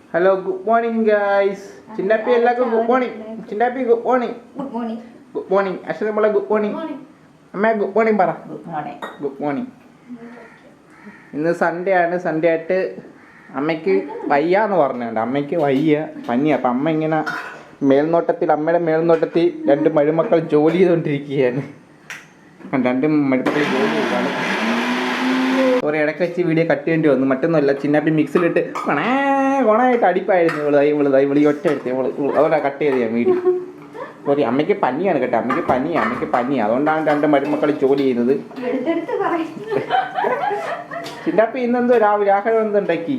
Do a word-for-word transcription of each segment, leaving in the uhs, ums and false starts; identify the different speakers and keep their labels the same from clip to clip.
Speaker 1: Hello, good morning guys. Cindapi എല്ലാവർക്കും good morning. Cindapi good morning.
Speaker 2: Good morning.
Speaker 1: Good morning. Asal mula good morning. അമ്മ good morning പറ.
Speaker 2: Good morning.
Speaker 1: Good morning. ഇന്ന് Sunday ആണ്. Sunday ആയിട്ട് അമ്മയ്ക്ക് വയ്യാന്ന് പറഞ്ഞുണ്ട്. അമ്മയ്ക്ക് വയ്യ പനി. അപ്പം അമ്മ ഇങ്ങനെ മേൽനോട്ടത്തിൽ അമ്മയുടെ മേൽനോട്ടത്തിൽ രണ്ട് മരുമക്കൾ ജോലി ചെയ്തുകൊണ്ടിരിക്കുകയാണ്. രണ്ട് മരുമക്കൾ ജോലി ചെയ്താണ്. കുറേ ഇടയ്ക്ക് വെച്ച് വീഡിയോ കട്ട് ചെയ്യേണ്ടി വന്നു. മറ്റൊന്നുമല്ല, ചിന്നാപ്പി മിക്സിലിട്ട് കൊണേ കൊണായിട്ട് അടിപ്പായിരുന്നു ഇവള് തൈ ഇവള് തൈ ഇവളി ഒറ്റ എടുത്ത് ഇവള് അതുകൊണ്ടാണ് കട്ട് ചെയ്ത് ഞാൻ വീഡിയോ. സോറി, അമ്മയ്ക്ക് പനിയാണ് കേട്ടോ. അമ്മയ്ക്ക് പനിയാണ് അമ്മയ്ക്ക് പനിയാണ് അതുകൊണ്ടാണ് രണ്ട് മരുമക്കൾ ജോലി ചെയ്യുന്നത്. ചിന്നാപ്പി ഇന്നെന്തോ രാവിലെ ആഹാരം എന്തുണ്ടാക്കി?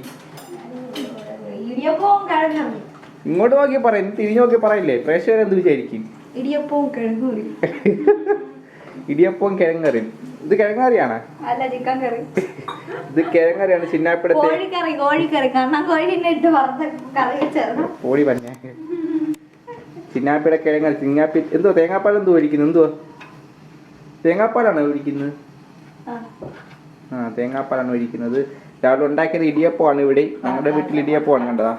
Speaker 1: ഇങ്ങോട്ട് നോക്കി പറ, തിരിഞ്ഞു നോക്കി പറയില്ലേ, പ്രേക്ഷകർ എന്ത് വിചാരിക്കും?
Speaker 2: ഇടിയപ്പവും കിഴങ്ങൂരി.
Speaker 1: ഇടിയപ്പവും കിഴങ്ങറി. ഇത് കിഴങ്ങറിയാണ്?
Speaker 2: അല്ല, ചിക്കൻ കറി.
Speaker 1: ഇത് കിഴങ്ങറിയാണ്. ചിന്നാപ്പിടത്തെ
Speaker 2: കോഴിക്കറി. കോഴിക്കറി കാരണം കോഴിനെ ഇട്ട് വറുത്ത കറി വെച്ചായിരുന്നു. കോഴി
Speaker 1: പറഞ്ഞ ചിന്നാപ്പിയുടെ കിഴങ്ങറി. ചിന്നാപ്പി എന്തോ തേങ്ങാപ്പാൽ എന്തോ ഒഴിക്കുന്നു? എന്തുവാ തേങ്ങാപ്പാലാണോ ഒഴിക്കുന്നത്? ആ, തേങ്ങാപ്പാലാണ് ഒഴിക്കുന്നത്. രാവിലെ ഉണ്ടാക്കിയത് ഇടിയപ്പമാണ്. ഇവിടെ ഞങ്ങളുടെ വീട്ടിൽ ഇടിയപ്പമാണ്. കണ്ടതാ,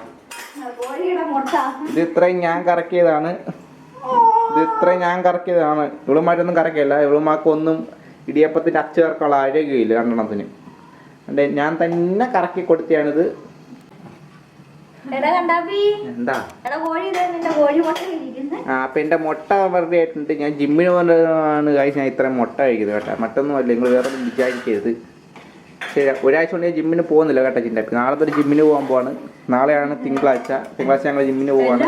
Speaker 1: ഇത് ഇത്രയും ഞാൻ കറക്കിയതാണ്. ഇത് ഇത്രയും ഞാൻ കറക്കിയതാണ്. ഇവളുമാരൊന്നും കറക്കിയല്ല. ഇവളുമാർക്കൊന്നും ഇടിയപ്പത്തിൻ്റെ അച്ച് ചേർക്കാനുള്ള ആരോഗ്യമില്ല രണ്ടെണ്ണത്തിന്. അതെ, ഞാൻ തന്നെ കറക്കി കൊടുത്തിയാണിത്. എന്താ ആ അപ്പൊ എന്റെ മുട്ട വെറുതെ ആയിട്ടുണ്ട്. ഞാൻ ജിമ്മിന് പോകുന്നതാണ് കാര്യം. ഞാൻ ഇത്രയും മുട്ട കഴിക്കുന്നത് കേട്ടോ. മറ്റൊന്നും അല്ല, നിങ്ങൾ വേറെ ഒന്നും വിചാരിക്കരുത്. ശരി, ഒരാഴ്ച കൊണ്ട് ഞാൻ ജിമ്മിന് പോകുന്നില്ല കേട്ടോ. ചിന്താപ്പി നാളെ തൊട്ട് ജിമ്മിന് പോകാൻ പോവാണ്. നാളെയാണ് തിങ്കളാഴ്ച. തിങ്കളാഴ്ച ഞങ്ങൾ ജിമ്മിന് പോവാണ്.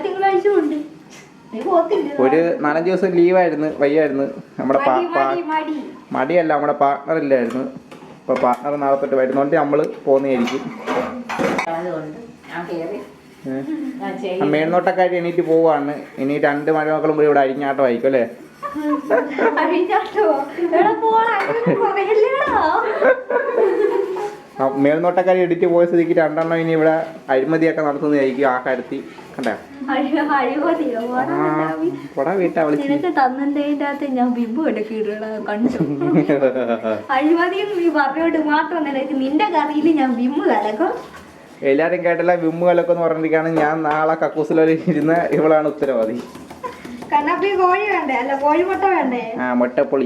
Speaker 1: ഒരു നാലഞ്ച് ദിവസം ലീവായിരുന്നു, വയ്യായിരുന്നു. നമ്മുടെ മടിയല്ല, നമ്മുടെ പാർട്ട്ണർ ഇല്ലായിരുന്നു. അപ്പോൾ പാർട്ട്ണർ നാളെ തൊട്ട് വരുന്നോണ്ട് നമ്മൾ പോകുന്നതായിരിക്കും. മേൽനോട്ടക്കാരി എണീറ്റ് പോവാണ്. ഇനി രണ്ട് മഴമക്കളും കൂടി ഇവിടെ അരിഞ്ഞാട്ടം ആയിരിക്കും അല്ലേ? മേൽനോട്ടക്കാരി എഡിറ്റ് പോയ സ്ഥിതിക്ക് രണ്ടെണ്ണം ഇനി ഇവിടെ അഴിമതിയൊക്കെ നടത്തുന്നതായിരിക്കും ആഹാരത്തിൽ. കണ്ടേ എല്ലാരും കേട്ടല്ല വിമ്മു കലക്കെന്ന് പറഞ്ഞിരിക്കുകയാണ്. ഞാൻ നാളെ കക്കൂസിലൊരു ഇരുന്ന് ഇവളാണ് ഉത്തരവാദി. ആ, മുട്ടപ്പൊളി.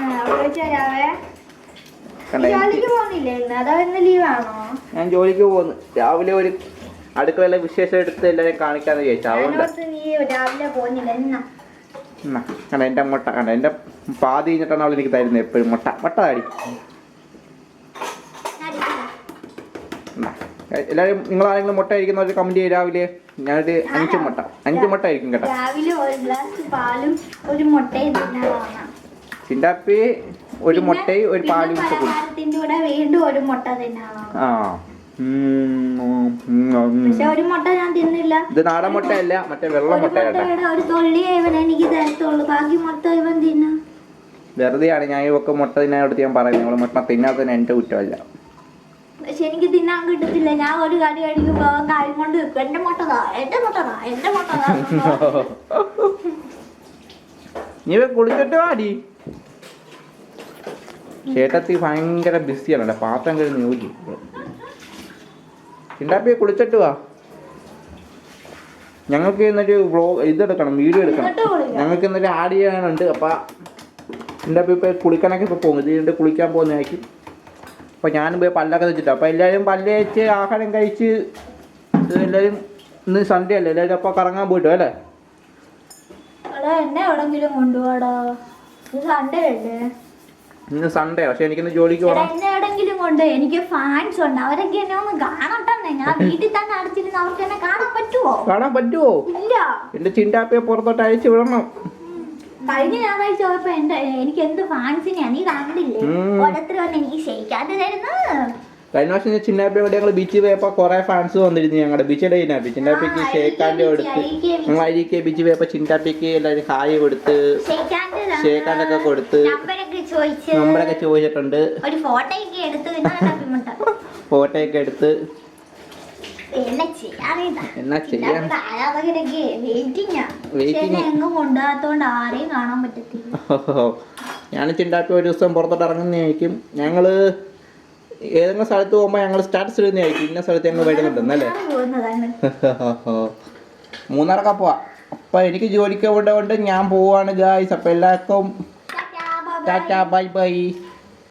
Speaker 1: ഞാൻ ജോലിക്ക് പോകുന്നു. രാവിലെ ഒരു അടുക്കളയിലെ വിശേഷം എടുത്ത് എല്ലാവരും കാണിക്കാന്ന് ചോദിച്ചാ. കണ്ട എന്റെ മുട്ട കണ്ട എന്റെ പാതി കഴിഞ്ഞിട്ടാണ് അവൾ എനിക്ക് തരുന്നത് എപ്പോഴും മുട്ട. മുട്ട താടി എല്ലാവരും. നിങ്ങൾ ആരെങ്കിലും മുട്ട കഴിക്കുന്നവർ കമന്റ് ചെയ്യും. രാവിലെ ഞാനൊരു അഞ്ച് മുട്ട അഞ്ച് മുട്ട ആയിരിക്കും കേട്ടോ. ചിണ്ടാപ്പി ഒരു മുട്ടയും ഒരു പാലും ആ. ഇത് നാടൻ മുട്ടയല്ല, മറ്റേ വെള്ള മുട്ട. വെറുതെയാണ് ഞാൻ ഇവക്ക് മുട്ട തിന്നാനോട് ഞാൻ പറയുന്നത്. നിങ്ങൾ മുട്ട തിന്നാത്തതിന് എന്റെ കുറ്റമല്ല.
Speaker 2: പക്ഷെ എനിക്ക് തിന്നാൻ കിട്ടത്തില്ല. ഞാൻ ഒരു കടി കഴിക്കുമ്പോ കാര്യം കൊണ്ട് വെക്കും. എന്റെ മുട്ടതാ എന്റെ മുട്ടതാ എന്റെ മുട്ടതാ.
Speaker 1: നീ കുളിച്ചിട്ട് വാടി. ചേട്ടത്തി ഭയങ്കര ബിസിയാണ്. പാത്രം കഴിഞ്ഞ് നോക്കി. ചിണ്ടാപ്പിയെ കുളിച്ചിട്ട് വാ. ഞങ്ങൾക്ക് ഇന്നൊരു വ്ളോഗ് ഇതെടുക്കണം, വീഡിയോ എടുക്കണം. ഞങ്ങൾക്ക് ഇന്നൊരു ആഡ് ചെയ്യാനുണ്ട്. അപ്പം ചിണ്ടാപ്പി ഇപ്പോൾ കുളിക്കാനൊക്കെ ഇപ്പോൾ പോകും. ഇതിൻ്റെ കുളിക്കാൻ പോകുന്നതായിരിക്കും. അപ്പോൾ ഞാനും പോയി പല്ലൊക്കെ വെച്ചിട്ട്. അപ്പോൾ എല്ലാവരും പല്ല് വെച്ച് ആഹാരം കഴിച്ച് എല്ലാവരും ഇന്ന് സൺഡേ അല്ലേ, എല്ലാവരും അപ്പോൾ കറങ്ങാൻ പോയിട്ടോ അല്ലേ?
Speaker 2: എന്നെ എവിടെങ്കിലും കൊണ്ടുപോടാ. സൺഡേ അല്ലേ?
Speaker 1: ഇന്ന് സൺഡേ. പക്ഷെ എനിക്കിന്ന് ജോലിക്ക് പോകണം.
Speaker 2: എന്നെ എവിടെങ്കിലും കൊണ്ട്. എനിക്ക് ഫാൻസ് ഉണ്ട്. അവരൊക്കെ എന്നെ ഒന്ന് കാണട്ടെ. ഞാൻ വീട്ടിൽ തന്നെ അടച്ചിരുന്ന് അവർക്ക് എന്നെ കാണാൻ പറ്റുമോ?
Speaker 1: കാണാൻ പറ്റുമോ? ഇല്ല. എന്റെ ചിണ്ടാപ്പിയെ പുറത്തോട്ട് അയച്ചു വിടണം.
Speaker 2: കഴിഞ്ഞ ഞായറാഴ്ച പോയപ്പോ എന്റെ എനിക്ക് എന്ത് ഫാൻസിനെയാ നീ കണ്ടില്ലേ? ഓരോരുത്തർ വന്ന് എനിക്ക് ഷെയ്ക്കാണ്ട് തരുന്നു.
Speaker 1: കഴിഞ്ഞ വർഷം ചിന്നാപ്പി ഇവിടെ ഞങ്ങൾ ബീച്ചിൽ പോയപ്പോൾ കുറെ ഫാൻസ് വന്നിരുന്നു. ഞങ്ങളുടെ ബീച്ചിടെ ചിന്നാപ്പി ചിന്നാപ്പിക്ക് ഷേക്കാൻ്റെ കൊടുത്ത് ഞങ്ങൾ അരിക്ക് ബീച്ചിൽ പോയപ്പോൾ ചിന്നാപ്പിക്ക് എല്ലാവരും ഹായ് കൊടുത്ത് ഷേക്കാണ്ടൊക്കെ കൊടുത്ത് നമ്പറൊക്കെ ചോദിച്ചിട്ടുണ്ട്. ഫോട്ടോ ഒക്കെ എടുത്ത് എന്നാ ചെയ്യാൻ ഞാൻ ചിണ്ടാപ്പി ഒരു ദിവസം പുറത്തോട്ട് ഇറങ്ങുന്നതായിരിക്കും. ഞങ്ങള് ഏതെങ്കിലും സ്ഥലത്ത് പോകുമ്പോൾ ഞങ്ങൾ സ്റ്റാറ്റസ് ഇടുന്നതായിരിക്കും ഇന്ന സ്ഥലത്ത് ഞങ്ങൾ വരുന്നുണ്ടെന്നല്ലേ.
Speaker 2: പോകുന്നതാണ്.
Speaker 1: മൂന്നാറൊക്കെ പോവാ. അപ്പം എനിക്ക് ജോലിക്ക് പോകേണ്ടതുകൊണ്ട് ഞാൻ പോവാണ് ഗായ്സ്. അപ്പം എല്ലാവർക്കും
Speaker 2: ടാറ്റാ, ബൈ ബൈ.
Speaker 1: ടാറ്റാ ബൈ ബൈ.